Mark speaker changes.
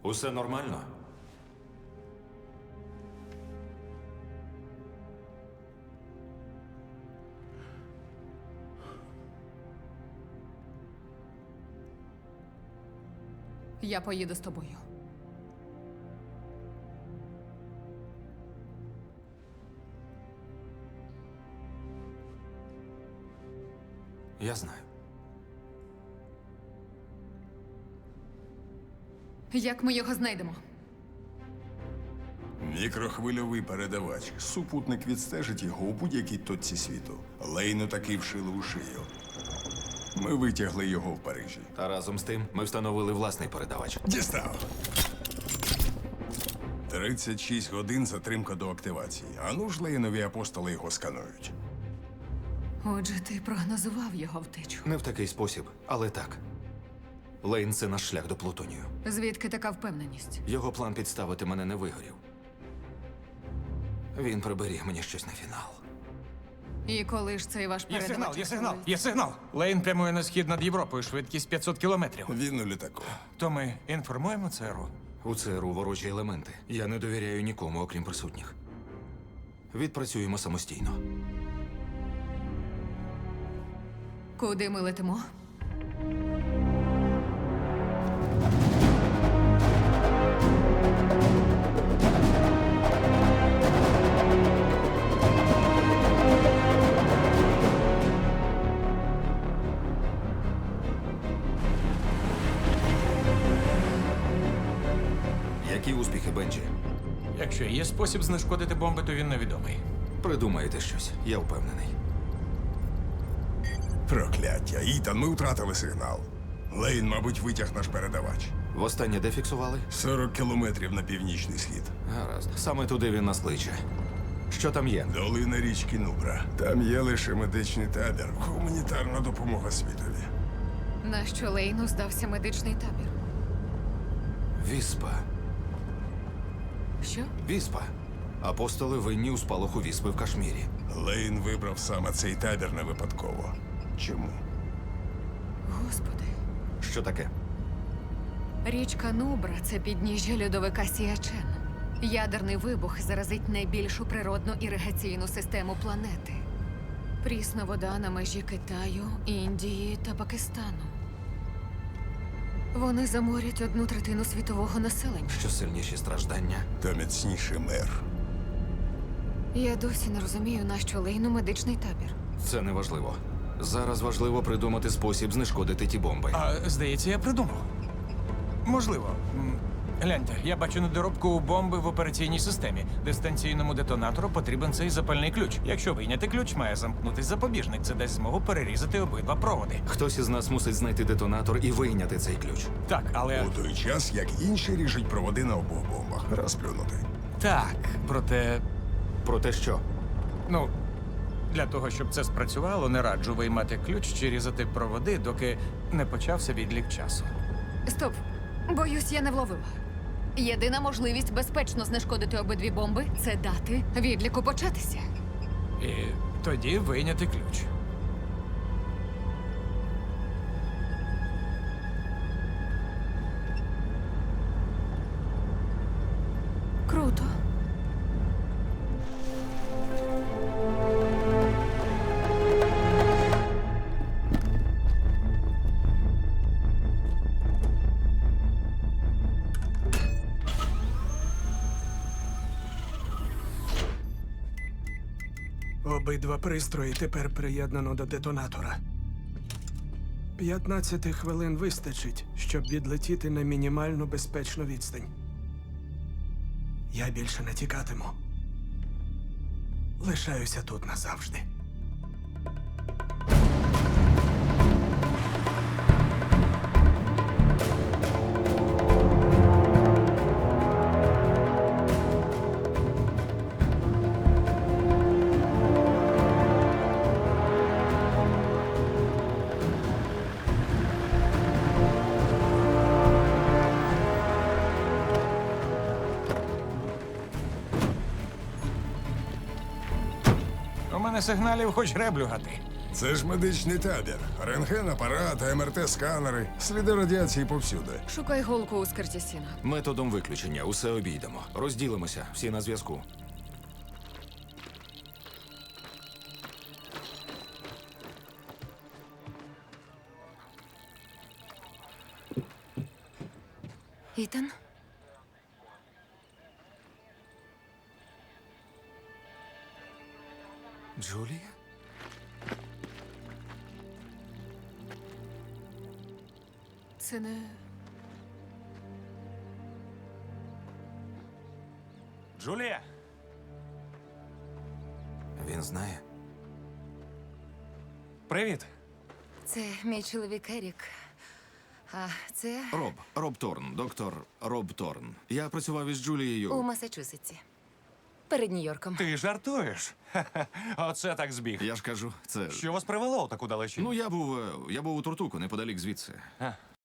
Speaker 1: Усе нормально?
Speaker 2: Я поїду з тобою.
Speaker 1: Я знаю.
Speaker 2: Як ми його знайдемо?
Speaker 3: Мікрохвильовий передавач. Супутник відстежить його у будь-якій точці світу. Лейну таки вшили у шию. Ми витягли його в Парижі.
Speaker 1: Та разом з тим ми встановили власний передавач.
Speaker 3: Дістав. 36 годин затримка до активації. Ану ж Лейнові апостоли його сканують.
Speaker 2: Отже, ти прогнозував його втечу.
Speaker 1: Не в такий спосіб, але так. Лейн – це наш шлях до Плутонію.
Speaker 2: Звідки така впевненість?
Speaker 1: Його план підставити мене не вигорів. Він приберіг мені щось на фінал.
Speaker 2: І коли ж цей ваш
Speaker 4: Є
Speaker 2: передавач?
Speaker 4: сигнал, є сигнал,
Speaker 2: відкриється?
Speaker 4: є сигнал. Лейн прямує на схід над Європою, швидкість 500 кілометрів.
Speaker 3: Він у літаку.
Speaker 4: То ми інформуємо ЦРУ.
Speaker 1: У ЦРУ ворожі елементи. Я не довіряю нікому, окрім присутніх. Відпрацюємо самостійно.
Speaker 2: Куди ми летимо?
Speaker 1: Які успіхи, Бенджі?
Speaker 4: Якщо є спосіб знешкодити бомби, то він невідомий.
Speaker 1: Придумаєте щось, я впевнений.
Speaker 3: Прокляття. Ітан, ми втратили сигнал. Лейн, мабуть, витяг наш передавач.
Speaker 1: Востаннє де фіксували?
Speaker 3: 40 кілометрів на північний схід.
Speaker 1: Гаразд. Саме туди він нас кличе. Що там є?
Speaker 3: Долина річки Нубра. Там є лише медичний табір. Гуманітарна допомога світові.
Speaker 2: Нащо Лейну здався медичний табір?
Speaker 1: Віспа.
Speaker 2: Що?
Speaker 1: Віспа. Апостоли винні у спалаху віспи в Кашмірі.
Speaker 3: Лейн вибрав саме цей табір не випадково. Чому?
Speaker 2: Господи.
Speaker 1: Що таке?
Speaker 2: Річка Нубра – це підніжжя льодовика Сіачен. Ядерний вибух заразить найбільшу природну іригаційну систему планети. Прісна вода на межі Китаю, Індії та Пакистану. Вони заморять 1/3 світового населення.
Speaker 1: Що сильніші страждання?
Speaker 3: Та міцніший мир.
Speaker 2: Я досі не розумію, нащо Лейну медичний табір.
Speaker 1: Це не важливо. Зараз важливо придумати спосіб знешкодити ті бомби.
Speaker 4: А здається, я придумав. Можливо. Гляньте, я бачу недоробку у бомби в операційній системі. Дистанційному детонатору потрібен цей запальний ключ. Якщо вийняти ключ, має замкнутись запобіжник. Це дасть змогу перерізати обидва проводи.
Speaker 1: Хтось із нас мусить знайти детонатор і вийняти цей ключ.
Speaker 4: Так, але
Speaker 3: У той час, як інші ріжуть проводи на обох бомбах. Розплюнути.
Speaker 4: так, проте,
Speaker 1: Про те, що?
Speaker 4: ну, для того, щоб це спрацювало, не раджу виймати ключ чи різати проводи, доки не почався відлік часу.
Speaker 2: Стоп! Боюсь, я не вловила. Єдина можливість безпечно знешкодити обидві бомби – це дати відліку початися.
Speaker 4: І тоді вийняти ключ.
Speaker 2: Круто.
Speaker 5: Обидва пристрої тепер приєднано до детонатора. 15 хвилин вистачить, щоб відлетіти на мінімально безпечну відстань. Я більше не тікатиму. Лишаюся тут назавжди.
Speaker 4: У мене сигналів хоч греблю гати.
Speaker 3: Це ж медичний табір. Рентген, апарат, МРТ-сканери, сліди радіації повсюди.
Speaker 2: Шукай голку у скирті сіна.
Speaker 1: Методом виключення усе обійдемо. Розділимося, всі на зв'язку.
Speaker 2: Ітан?
Speaker 1: Джулія?
Speaker 2: Це не.
Speaker 4: Джулія!
Speaker 1: Він знає.
Speaker 4: Привіт!
Speaker 6: Це мій чоловік Ерік. А це
Speaker 1: Роб Торн, доктор Роб Торн. Я працював із Джулією.
Speaker 6: у Масачусетсі. Перед Нью-Йорком.
Speaker 4: Ти жартуєш? Ха-ха. Оце так збіг.
Speaker 1: Я ж кажу, це.
Speaker 4: Що вас привело у таку далечінь?
Speaker 1: Ну, я був у Туртуку, неподалік звідси.